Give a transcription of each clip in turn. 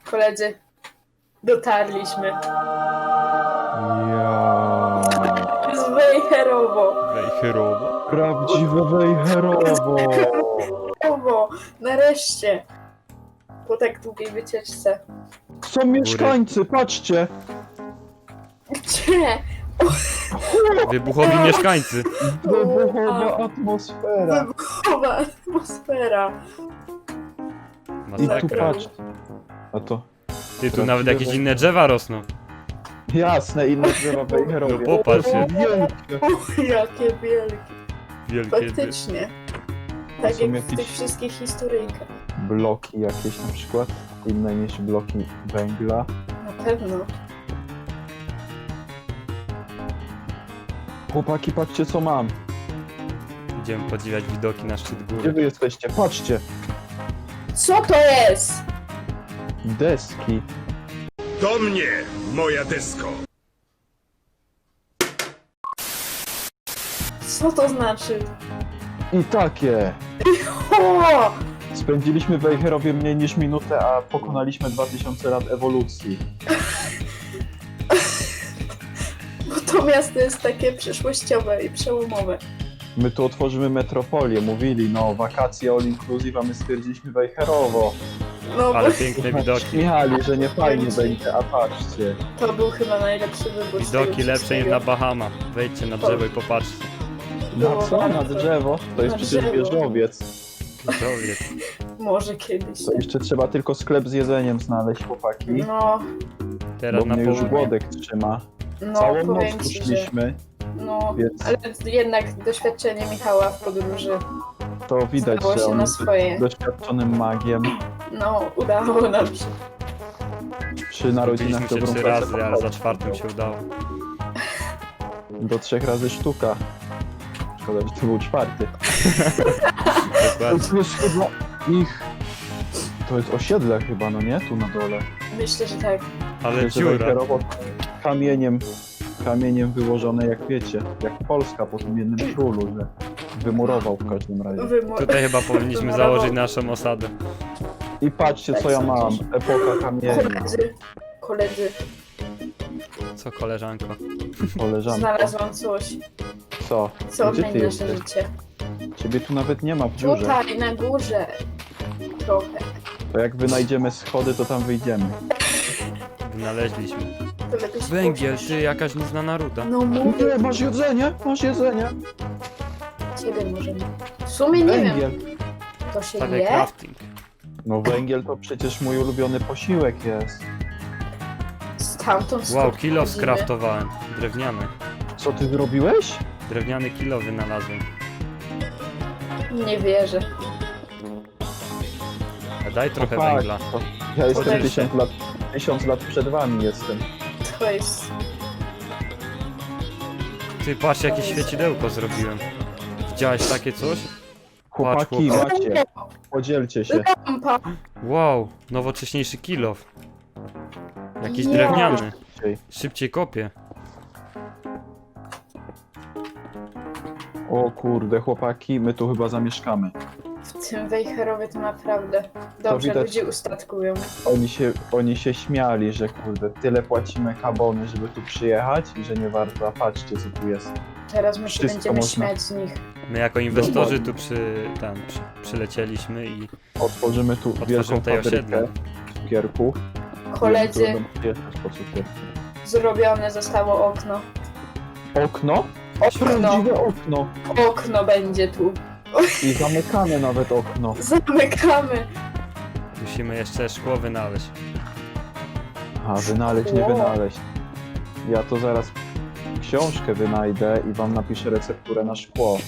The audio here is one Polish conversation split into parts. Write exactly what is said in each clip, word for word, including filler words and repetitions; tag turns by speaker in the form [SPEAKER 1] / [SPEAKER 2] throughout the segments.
[SPEAKER 1] Koledzy, dotarliśmy.
[SPEAKER 2] Ja.
[SPEAKER 1] Z Wejherowo.
[SPEAKER 3] Wejherowo.
[SPEAKER 2] Prawdziwe Wejherowo.
[SPEAKER 1] Wejherowo, nareszcie. Po tak długiej wycieczce.
[SPEAKER 2] Są mieszkańcy, patrzcie.
[SPEAKER 1] Gdzie?
[SPEAKER 3] Wybuchowi mieszkańcy.
[SPEAKER 2] Wybuchowa atmosfera.
[SPEAKER 1] Wybuchowa atmosfera.
[SPEAKER 2] I tu
[SPEAKER 3] Masakra.
[SPEAKER 2] patrz. A to
[SPEAKER 3] Ty, tu nawet jakieś inne drzewa rosną.
[SPEAKER 2] jasne, inne drzewa w Wejherowie.
[SPEAKER 3] No popatrz się.
[SPEAKER 2] Wielkie.
[SPEAKER 1] O, jakie wielkie.
[SPEAKER 3] Wielkie.
[SPEAKER 1] Faktycznie. Tak
[SPEAKER 2] są
[SPEAKER 1] jak w
[SPEAKER 2] jakieś-
[SPEAKER 1] tych wszystkich historyjkach.
[SPEAKER 2] Bloki jakieś na przykład, inne niż bloki węgla.
[SPEAKER 1] Na pewno.
[SPEAKER 2] Chłopaki, patrzcie co mam.
[SPEAKER 3] Idziemy podziwiać widoki na szczyt
[SPEAKER 2] Gdzie
[SPEAKER 3] góry.
[SPEAKER 2] wy jesteście? Patrzcie.
[SPEAKER 1] Co to jest?
[SPEAKER 2] Deski.
[SPEAKER 4] Do mnie, moja desko!
[SPEAKER 1] Co to znaczy?
[SPEAKER 2] I takie.
[SPEAKER 1] O!
[SPEAKER 2] Spędziliśmy w Wejherowie mniej niż minutę, a pokonaliśmy dwa tysiące lat ewolucji.
[SPEAKER 1] Bo to miasto jest takie przyszłościowe i przełomowe.
[SPEAKER 2] My tu otworzymy metropolię, mówili, no wakacje all inclusive, a my stwierdziliśmy Wejherowo.
[SPEAKER 1] No
[SPEAKER 3] Ale
[SPEAKER 1] bo
[SPEAKER 3] piękne widoki.
[SPEAKER 2] Śmiali, że nie fajnie będzie, a patrzcie.
[SPEAKER 1] to był chyba najlepszy wybór. z
[SPEAKER 3] Widoki
[SPEAKER 1] tego
[SPEAKER 3] lepsze niż
[SPEAKER 1] wszystkiego.
[SPEAKER 3] na Bahama. Wejdźcie na drzewo i popatrzcie.
[SPEAKER 2] Na co? Na drzewo? To jest
[SPEAKER 1] Na
[SPEAKER 2] przecież
[SPEAKER 1] drzewo.
[SPEAKER 2] wieżowiec.
[SPEAKER 3] Widowiec.
[SPEAKER 1] Może kiedyś.
[SPEAKER 2] To jeszcze trzeba tylko sklep z jedzeniem znaleźć, chłopaki.
[SPEAKER 1] No,
[SPEAKER 3] Teraz
[SPEAKER 2] Bo
[SPEAKER 3] na
[SPEAKER 2] mnie już
[SPEAKER 3] południe.
[SPEAKER 2] głodek trzyma.
[SPEAKER 1] no
[SPEAKER 2] Całą noc
[SPEAKER 1] powiem
[SPEAKER 2] tu
[SPEAKER 1] ci, że...
[SPEAKER 2] szliśmy,
[SPEAKER 1] No,
[SPEAKER 2] więc
[SPEAKER 1] ale jednak doświadczenie Michała w podróży
[SPEAKER 2] to widać,
[SPEAKER 1] zdało
[SPEAKER 2] że
[SPEAKER 1] się
[SPEAKER 2] on
[SPEAKER 1] na
[SPEAKER 2] jest
[SPEAKER 1] swoje.
[SPEAKER 2] doświadczonym magiem.
[SPEAKER 1] No, udało nam się.
[SPEAKER 2] Przy narodzinach
[SPEAKER 3] Robiliśmy się
[SPEAKER 2] dobrą
[SPEAKER 3] trzy
[SPEAKER 2] pracę
[SPEAKER 3] razy, ale za czwartym się udało.
[SPEAKER 2] do trzech razy sztuka. Szkoda, że to był czwarty.
[SPEAKER 3] Dokładnie.
[SPEAKER 2] To jest chyba ich... To jest osiedle chyba, no nie? Tu na dole.
[SPEAKER 1] Myślę, że tak.
[SPEAKER 3] Ale
[SPEAKER 2] Że
[SPEAKER 3] dziura.
[SPEAKER 2] Wejherowo kamieniem, kamieniem wyłożone, jak wiecie, jak Polska po tym jednym królu, że wymurował w każdym razie.
[SPEAKER 1] Wymo-
[SPEAKER 3] Tutaj chyba powinniśmy
[SPEAKER 1] Wymurował.
[SPEAKER 3] założyć naszą osadę.
[SPEAKER 2] I patrzcie, co ja mam. Epoka kamienia.
[SPEAKER 1] Koledzy, koledzy,
[SPEAKER 3] Co, koleżanko?
[SPEAKER 2] Koleżanko.
[SPEAKER 1] znalazłam coś,
[SPEAKER 2] Co?
[SPEAKER 1] co
[SPEAKER 2] Gdzie ty
[SPEAKER 1] odmieni nasze
[SPEAKER 2] jesteś?
[SPEAKER 1] życie.
[SPEAKER 2] Ciebie tu nawet nie ma w dziurze.
[SPEAKER 1] Tutaj, na górze. Trochę.
[SPEAKER 2] To jak wynajdziemy schody, to tam wyjdziemy.
[SPEAKER 3] Wynaleźliśmy.
[SPEAKER 1] To lepiej
[SPEAKER 3] Węgiel,
[SPEAKER 1] spojrzeć.
[SPEAKER 3] ty, jakaś nieznana ruda.
[SPEAKER 1] No mówię,
[SPEAKER 2] Nie, masz jedzenie, masz jedzenie.
[SPEAKER 1] ciebie możemy. W sumie nie wiem,
[SPEAKER 2] Węgiel.
[SPEAKER 1] to się
[SPEAKER 3] Stawiaj
[SPEAKER 1] je?
[SPEAKER 3] crafting.
[SPEAKER 2] No węgiel to przecież mój ulubiony posiłek jest.
[SPEAKER 1] Stamtąd
[SPEAKER 3] Wow,
[SPEAKER 1] stąd
[SPEAKER 3] kilo
[SPEAKER 1] chodzimy.
[SPEAKER 3] skraftowałem. Drewniany.
[SPEAKER 2] Co ty zrobiłeś?
[SPEAKER 3] Drewniany kilo wynalazłem.
[SPEAKER 1] Nie wierzę.
[SPEAKER 3] A daj trochę
[SPEAKER 2] No tak,
[SPEAKER 3] węgla.
[SPEAKER 2] to Ja jestem
[SPEAKER 3] Podejdź.
[SPEAKER 2] tysiąc lat, tysiąc lat przed wami jestem.
[SPEAKER 1] To jest...
[SPEAKER 3] Ty, patrz jakie świecidełko zrobiłem. Widziałeś takie coś?
[SPEAKER 2] Chłopaki,
[SPEAKER 3] chłopak.
[SPEAKER 2] macie, podzielcie się.
[SPEAKER 1] Lampa!
[SPEAKER 3] Wow, nowocześniejszy kilof. Jakiś
[SPEAKER 1] Ja.
[SPEAKER 3] drewniany.
[SPEAKER 2] Szybciej.
[SPEAKER 3] Szybciej kopie.
[SPEAKER 2] O kurde, chłopaki, my tu chyba zamieszkamy.
[SPEAKER 1] W tym Wejherowie to naprawdę dobrze
[SPEAKER 2] widać.
[SPEAKER 1] ludzie ustatkują.
[SPEAKER 2] Oni się, oni się śmiali, że kurde, tyle płacimy kabony, żeby tu przyjechać i że nie warto, a patrzcie co tu jest.
[SPEAKER 1] Teraz my się
[SPEAKER 2] Wszystko
[SPEAKER 1] będziemy
[SPEAKER 2] można.
[SPEAKER 1] śmiać z nich.
[SPEAKER 3] My jako inwestorzy tu przy, tam, przy, przylecieliśmy i
[SPEAKER 2] Otworzymy tu
[SPEAKER 3] Otworzymy
[SPEAKER 2] wielką
[SPEAKER 3] tutaj
[SPEAKER 2] fabrykę
[SPEAKER 3] osiedle.
[SPEAKER 2] cukierków.
[SPEAKER 1] Koledzy,
[SPEAKER 2] Ludzie będą przyjeżdżać po cukierki.
[SPEAKER 1] zrobione zostało okno.
[SPEAKER 2] Okno?
[SPEAKER 1] Okno.
[SPEAKER 2] Prawdziwe okno.
[SPEAKER 1] Okno będzie tu.
[SPEAKER 2] I zamykane nawet okno.
[SPEAKER 1] Zamykamy.
[SPEAKER 3] musimy jeszcze szkło wynaleźć.
[SPEAKER 2] A wynaleźć, nie
[SPEAKER 1] Szkło.
[SPEAKER 2] wynaleźć. Ja to zaraz książkę wynajdę i wam napiszę recepturę na szkło.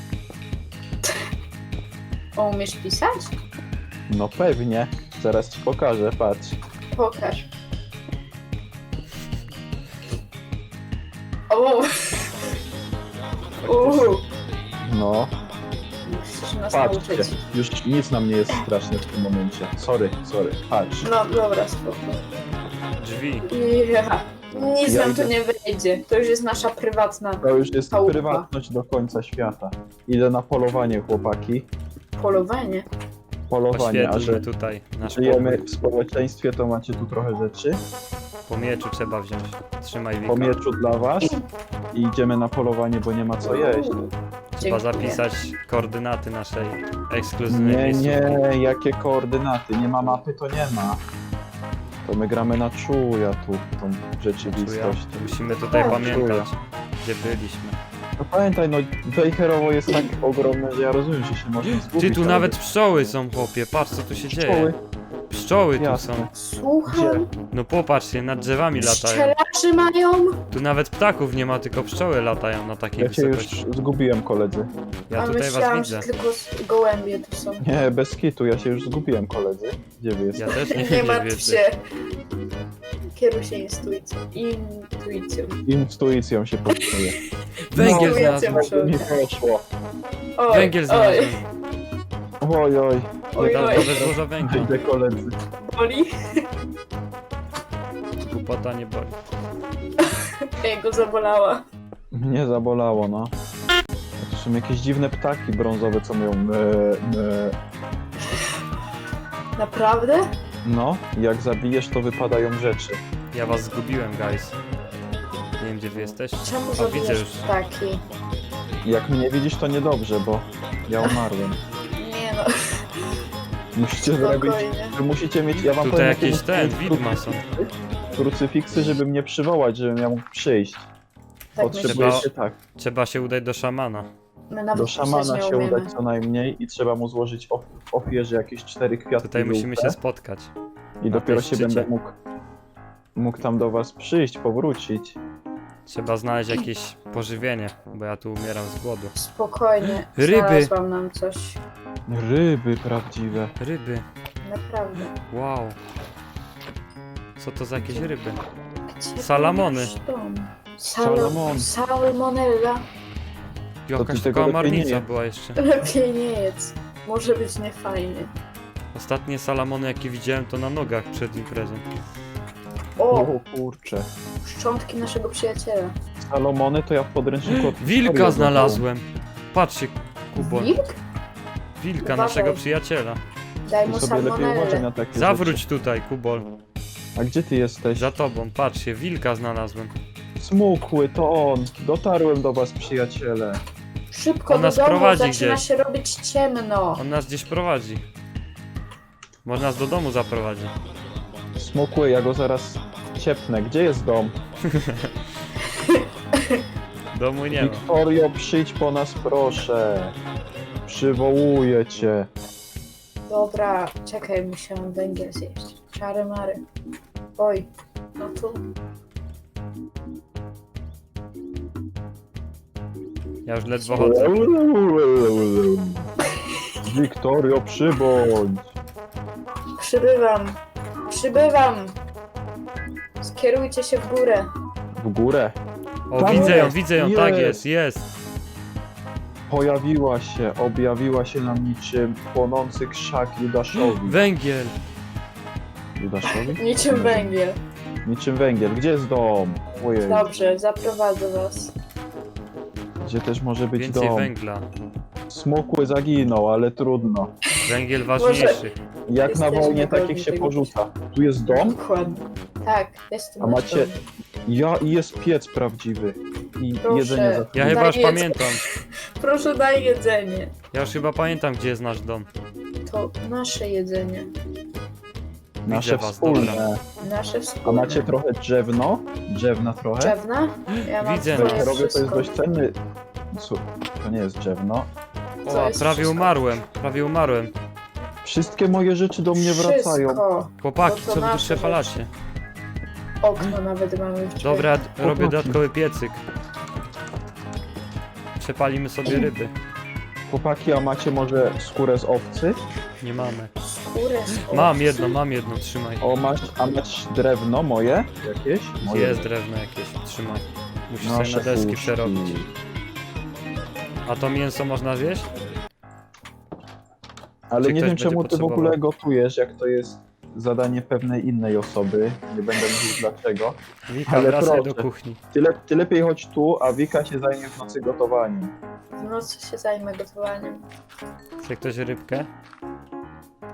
[SPEAKER 1] O, umiesz pisać?
[SPEAKER 2] No pewnie. Zaraz ci pokażę, patrz.
[SPEAKER 1] Pokaż. O! Uuu,
[SPEAKER 2] No,
[SPEAKER 1] musisz nas
[SPEAKER 2] patrzcie.
[SPEAKER 1] nauczyć.
[SPEAKER 2] Już nic nam nie jest straszne w tym momencie. Sorry, sorry. Patrz.
[SPEAKER 1] No dobra, spoko.
[SPEAKER 3] Drzwi.
[SPEAKER 1] Ja. Nic
[SPEAKER 2] Ja
[SPEAKER 1] nam
[SPEAKER 2] idę.
[SPEAKER 1] tu nie wyjdzie. To już jest nasza prywatna
[SPEAKER 2] To już jest
[SPEAKER 1] Chałupa.
[SPEAKER 2] prywatność do końca świata. Idę na polowanie, chłopaki.
[SPEAKER 1] polowanie.
[SPEAKER 2] polowanie, a że
[SPEAKER 3] Oświetlmy tutaj nasz
[SPEAKER 2] żyjemy
[SPEAKER 3] pokój.
[SPEAKER 2] w społeczeństwie, to macie tu trochę rzeczy.
[SPEAKER 3] Po mieczu trzeba wziąć. Trzymaj
[SPEAKER 2] Po
[SPEAKER 3] Wika.
[SPEAKER 2] mieczu dla was i idziemy na polowanie, bo nie ma co jeść.
[SPEAKER 3] Trzeba
[SPEAKER 1] Dziękuję.
[SPEAKER 3] zapisać koordynaty naszej ekskluzywnej
[SPEAKER 2] Nie,
[SPEAKER 3] miejscówki.
[SPEAKER 2] nie, jakie koordynaty? Nie ma mapy, to nie ma. To my gramy na czuja tu, tą
[SPEAKER 3] Czuja.
[SPEAKER 2] rzeczywistość.
[SPEAKER 3] Musimy tutaj
[SPEAKER 1] Tak,
[SPEAKER 3] pamiętać, gdzie byliśmy.
[SPEAKER 2] No pamiętaj, no Wejherowo jest tak ogromne, że ja rozumiem, że się można zgubić.
[SPEAKER 3] Ty, tu
[SPEAKER 2] ale-
[SPEAKER 3] nawet pszczoły są, chłopie, patrz co tu się dzieje.
[SPEAKER 2] Pszczoły,
[SPEAKER 3] Pszczoły tu
[SPEAKER 2] jasne.
[SPEAKER 3] są.
[SPEAKER 1] Słucham.
[SPEAKER 3] No popatrz się, nad drzewami latają.
[SPEAKER 1] Pszczelarzy mają.
[SPEAKER 3] Tu nawet ptaków nie ma, tylko pszczoły latają na takiej
[SPEAKER 2] Ja cię już
[SPEAKER 3] wysokości.
[SPEAKER 2] zgubiłem, koledzy.
[SPEAKER 3] Ja
[SPEAKER 1] A
[SPEAKER 3] tutaj was
[SPEAKER 1] myślałam,
[SPEAKER 3] widzę.
[SPEAKER 1] że tylko s- gołębie tu są.
[SPEAKER 2] Nie, bez kitu, ja się już zgubiłem, koledzy. Gdzie wy
[SPEAKER 3] Ja
[SPEAKER 2] jesteście?
[SPEAKER 3] też nie,
[SPEAKER 1] Nie
[SPEAKER 3] nie
[SPEAKER 1] martw
[SPEAKER 3] wiecie.
[SPEAKER 1] się. Kieruj się intuicją. Intuicją.
[SPEAKER 2] Intuicją się podstaje.
[SPEAKER 3] Węgiel
[SPEAKER 1] No, ja cię
[SPEAKER 3] znalazłem.
[SPEAKER 1] muszę-
[SPEAKER 2] Mi poszło.
[SPEAKER 1] Oj,
[SPEAKER 3] Węgiel
[SPEAKER 1] oj,
[SPEAKER 3] znalazłem.
[SPEAKER 2] Oj, oj.
[SPEAKER 1] oj,
[SPEAKER 3] Dodatkowe
[SPEAKER 1] oj.
[SPEAKER 3] złoża węgla.
[SPEAKER 2] Idę, koledzy.
[SPEAKER 1] Boli?
[SPEAKER 3] Głupota nie boli.
[SPEAKER 1] Jego zabolała.
[SPEAKER 2] Mnie zabolało, no. To są jakieś dziwne ptaki brązowe, co mówią me, me.
[SPEAKER 1] Naprawdę?
[SPEAKER 2] No, jak zabijesz, to wypadają rzeczy.
[SPEAKER 3] Ja was zgubiłem, guys. Nie wiem, gdzie wy jesteście.
[SPEAKER 1] Czemu
[SPEAKER 3] A, widzę
[SPEAKER 1] zabijasz
[SPEAKER 3] już.
[SPEAKER 1] ptaki?
[SPEAKER 2] Jak mnie widzisz, to niedobrze, bo ja umarłem.
[SPEAKER 1] Nie no,
[SPEAKER 2] Musicie zrobić...
[SPEAKER 1] spokojnie.
[SPEAKER 2] Wy musicie mieć... Ja wam
[SPEAKER 3] Tutaj
[SPEAKER 2] powiem,
[SPEAKER 3] jakieś
[SPEAKER 2] jakie
[SPEAKER 3] ten,
[SPEAKER 2] muszę mieć
[SPEAKER 3] widma są.
[SPEAKER 2] Krucyfiksy, żeby mnie przywołać, żebym ja mógł przyjść.
[SPEAKER 1] Tak
[SPEAKER 2] Potrzebujecie
[SPEAKER 1] myślisz?
[SPEAKER 2] tak.
[SPEAKER 3] Trzeba się udać do szamana.
[SPEAKER 1] My nawet
[SPEAKER 2] Do
[SPEAKER 1] pisać
[SPEAKER 2] szamana
[SPEAKER 1] nie
[SPEAKER 2] się
[SPEAKER 1] umiemy.
[SPEAKER 2] udać co najmniej i trzeba mu złożyć of w ofierze jakieś cztery kwiatki
[SPEAKER 3] Tutaj musimy
[SPEAKER 2] żółte
[SPEAKER 3] się spotkać.
[SPEAKER 2] i
[SPEAKER 3] na
[SPEAKER 2] dopiero
[SPEAKER 3] tej
[SPEAKER 2] się
[SPEAKER 3] szczycie.
[SPEAKER 2] będę mógł mógł tam do was przyjść, powrócić.
[SPEAKER 3] Trzeba znaleźć jakieś pożywienie, bo ja tu umieram z głodu.
[SPEAKER 1] Spokojnie.
[SPEAKER 3] Ryby.
[SPEAKER 1] Znalazłam nam coś.
[SPEAKER 2] Ryby prawdziwe.
[SPEAKER 3] Ryby.
[SPEAKER 1] Naprawdę.
[SPEAKER 3] Wow. Co to za jakieś ryby?
[SPEAKER 1] Gdzie
[SPEAKER 3] Salamony.
[SPEAKER 1] masz dom?
[SPEAKER 2] Salamon.
[SPEAKER 1] Sal Salmonella.
[SPEAKER 3] Jakaś
[SPEAKER 2] ty tego
[SPEAKER 3] taka
[SPEAKER 2] lepiej nie
[SPEAKER 3] marnica
[SPEAKER 2] je.
[SPEAKER 3] była jeszcze.
[SPEAKER 1] Lepiej nie jedz. Może być niefajnie.
[SPEAKER 3] Ostatnie salamony jakie widziałem to na nogach przed imprezą.
[SPEAKER 1] O!
[SPEAKER 2] O kurcze.
[SPEAKER 1] Szczątki naszego przyjaciela.
[SPEAKER 2] Salomony to ja w podręczniku... od historii
[SPEAKER 3] Wilka
[SPEAKER 2] oglądałem.
[SPEAKER 3] znalazłem. Patrzcie, Kubon.
[SPEAKER 1] Wilk?
[SPEAKER 3] Wilka,
[SPEAKER 1] Uważaj.
[SPEAKER 3] naszego przyjaciela.
[SPEAKER 1] Daj
[SPEAKER 2] Ty
[SPEAKER 1] mu
[SPEAKER 2] sobie lepiej uważaj
[SPEAKER 1] salmonellę.
[SPEAKER 2] na takie rzeczy.
[SPEAKER 3] Zawróć tutaj, Kubol.
[SPEAKER 2] A gdzie ty jesteś?
[SPEAKER 3] Za tobą, patrzcie, wilka znalazłem.
[SPEAKER 2] Smukły, to on. Dotarłem do was, przyjaciele.
[SPEAKER 1] Szybko
[SPEAKER 3] On
[SPEAKER 1] do
[SPEAKER 3] nas
[SPEAKER 1] domu,
[SPEAKER 3] prowadzi
[SPEAKER 1] zaczyna
[SPEAKER 3] gdzieś.
[SPEAKER 1] się robić ciemno.
[SPEAKER 3] On nas gdzieś prowadzi. Może nas do domu zaprowadzi.
[SPEAKER 2] Smukły, ja go zaraz ciepnę. Gdzie jest dom?
[SPEAKER 3] Domu nie ma.
[SPEAKER 2] Wiktorio, przyjdź po nas, proszę. Przywołuję cię.
[SPEAKER 1] Dobra, czekaj, muszę węgiel zjeść. Czary mary. Oj, no tu.
[SPEAKER 3] Ja już ledwo chodzę.
[SPEAKER 2] Wiktorio, przybądź.
[SPEAKER 1] Przybywam. Przybywam. Skierujcie się w górę.
[SPEAKER 2] W górę.
[SPEAKER 3] O,
[SPEAKER 2] Tam
[SPEAKER 3] widzę ją,
[SPEAKER 2] jest,
[SPEAKER 3] widzę ją, tak
[SPEAKER 2] jest.
[SPEAKER 3] jest, jest.
[SPEAKER 2] Pojawiła się, objawiła się nam niczym płonący krzak Judaszowi.
[SPEAKER 3] Węgiel.
[SPEAKER 2] Judaszowi?
[SPEAKER 1] Niczym węgiel.
[SPEAKER 2] Niczym węgiel. Gdzie jest dom? Ojej.
[SPEAKER 1] Dobrze, zaprowadzę was.
[SPEAKER 2] Gdzie też może być
[SPEAKER 3] Więcej
[SPEAKER 2] dom?
[SPEAKER 3] węgla.
[SPEAKER 2] Smukły zaginął, ale trudno.
[SPEAKER 3] Węgiel ważniejszy.
[SPEAKER 2] Jak na
[SPEAKER 1] Jesteśmy
[SPEAKER 2] wojnie
[SPEAKER 1] pewni
[SPEAKER 2] takich się
[SPEAKER 1] tego.
[SPEAKER 2] porzuca. Tu jest dom,
[SPEAKER 1] Dokładnie. Tak, jestem
[SPEAKER 2] a
[SPEAKER 1] na
[SPEAKER 2] macie
[SPEAKER 1] dom.
[SPEAKER 2] ja i jest piec prawdziwy. I
[SPEAKER 1] Proszę.
[SPEAKER 2] jedzenie za
[SPEAKER 3] Ja
[SPEAKER 1] Daj
[SPEAKER 3] chyba już
[SPEAKER 1] jedzenie.
[SPEAKER 3] pamiętam.
[SPEAKER 1] Proszę daj jedzenie.
[SPEAKER 3] Ja już chyba pamiętam, gdzie jest nasz dom.
[SPEAKER 1] To nasze jedzenie.
[SPEAKER 2] nasze
[SPEAKER 3] was,
[SPEAKER 2] wspólne.
[SPEAKER 1] Nasze
[SPEAKER 2] A
[SPEAKER 1] wspólne.
[SPEAKER 2] macie trochę drzewno? Drzewna trochę?
[SPEAKER 1] Drzewna? Ja mam
[SPEAKER 3] Widzę,
[SPEAKER 1] swoje
[SPEAKER 3] no.
[SPEAKER 2] Robię to jest
[SPEAKER 1] wszystko.
[SPEAKER 2] dość cenny. Słuch, to nie jest drzewno.
[SPEAKER 1] Co
[SPEAKER 3] O,
[SPEAKER 1] jest
[SPEAKER 3] prawie
[SPEAKER 1] wszystko?
[SPEAKER 3] umarłem, prawie umarłem.
[SPEAKER 2] Wszystkie moje rzeczy do mnie wracają.
[SPEAKER 1] Wszystko.
[SPEAKER 3] Chłopaki,
[SPEAKER 1] No to
[SPEAKER 3] co wy tu
[SPEAKER 1] nasze
[SPEAKER 3] przepalacie?
[SPEAKER 1] Okno nawet mamy w drzwiach.
[SPEAKER 3] Dobra, d- robię
[SPEAKER 2] Chłopaki.
[SPEAKER 3] dodatkowy piecyk. Przepalimy sobie ryby.
[SPEAKER 2] Chłopaki, a macie może skórę z owcy?
[SPEAKER 3] Nie mamy.
[SPEAKER 1] Skórę z
[SPEAKER 3] Mam
[SPEAKER 1] owcy.
[SPEAKER 3] jedno, mam jedno, trzymaj.
[SPEAKER 2] O, masz, a masz drewno moje? Jakieś? Moje.
[SPEAKER 3] Jest drewno jakieś, trzymaj. Musisz sobie
[SPEAKER 2] Nasze
[SPEAKER 3] na deski
[SPEAKER 2] puszki.
[SPEAKER 3] przerobić. A to mięso można zjeść?
[SPEAKER 2] Ale
[SPEAKER 3] Czy
[SPEAKER 2] nie
[SPEAKER 3] ktoś
[SPEAKER 2] wiem
[SPEAKER 3] będzie
[SPEAKER 2] czemu ty w
[SPEAKER 3] potrzebował?
[SPEAKER 2] ogóle gotujesz, jak to jest zadanie pewnej innej osoby. Nie będę mówił dlaczego.
[SPEAKER 3] Wika,
[SPEAKER 2] Ale
[SPEAKER 3] wracaj
[SPEAKER 2] proszę.
[SPEAKER 3] do kuchni.
[SPEAKER 2] Ty, le, ty lepiej chodź tu, a Wika się zajmie w nocy gotowaniem.
[SPEAKER 1] W nocy się zajmę gotowaniem.
[SPEAKER 3] Chce ktoś rybkę?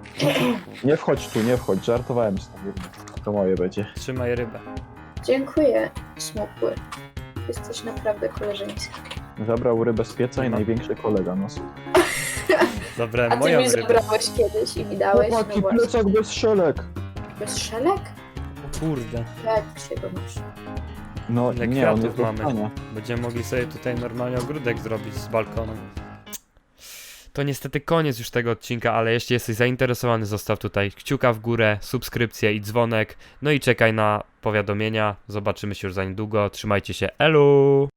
[SPEAKER 2] Nie wchodź tu, nie wchodź, żartowałem z tobą. To moje będzie.
[SPEAKER 3] Trzymaj rybę.
[SPEAKER 1] Dziękuję, smukły. Jesteś naprawdę koleżeński.
[SPEAKER 2] Zabrał rybę z pieca i największy kolega nas.
[SPEAKER 3] Zabrałem
[SPEAKER 1] A ty
[SPEAKER 3] moją
[SPEAKER 1] mi
[SPEAKER 3] rybę.
[SPEAKER 1] zabrałeś kiedyś i mi dałeś, no
[SPEAKER 2] Chłopaki,
[SPEAKER 1] właśnie.
[SPEAKER 2] plecak bez szelek.
[SPEAKER 1] Bez szelek?
[SPEAKER 3] O kurde.
[SPEAKER 1] Jak się go masz?
[SPEAKER 2] No
[SPEAKER 3] Ile
[SPEAKER 2] nie, on
[SPEAKER 3] kwiatów
[SPEAKER 2] jest do
[SPEAKER 3] mamy.
[SPEAKER 2] prania.
[SPEAKER 3] Będziemy mogli sobie tutaj normalnie ogródek zrobić z balkonem. To niestety koniec już tego odcinka, ale jeśli jesteś zainteresowany, zostaw tutaj kciuka w górę, subskrypcję i dzwonek. No i czekaj na powiadomienia. Zobaczymy się już za niedługo. Trzymajcie się. Elu!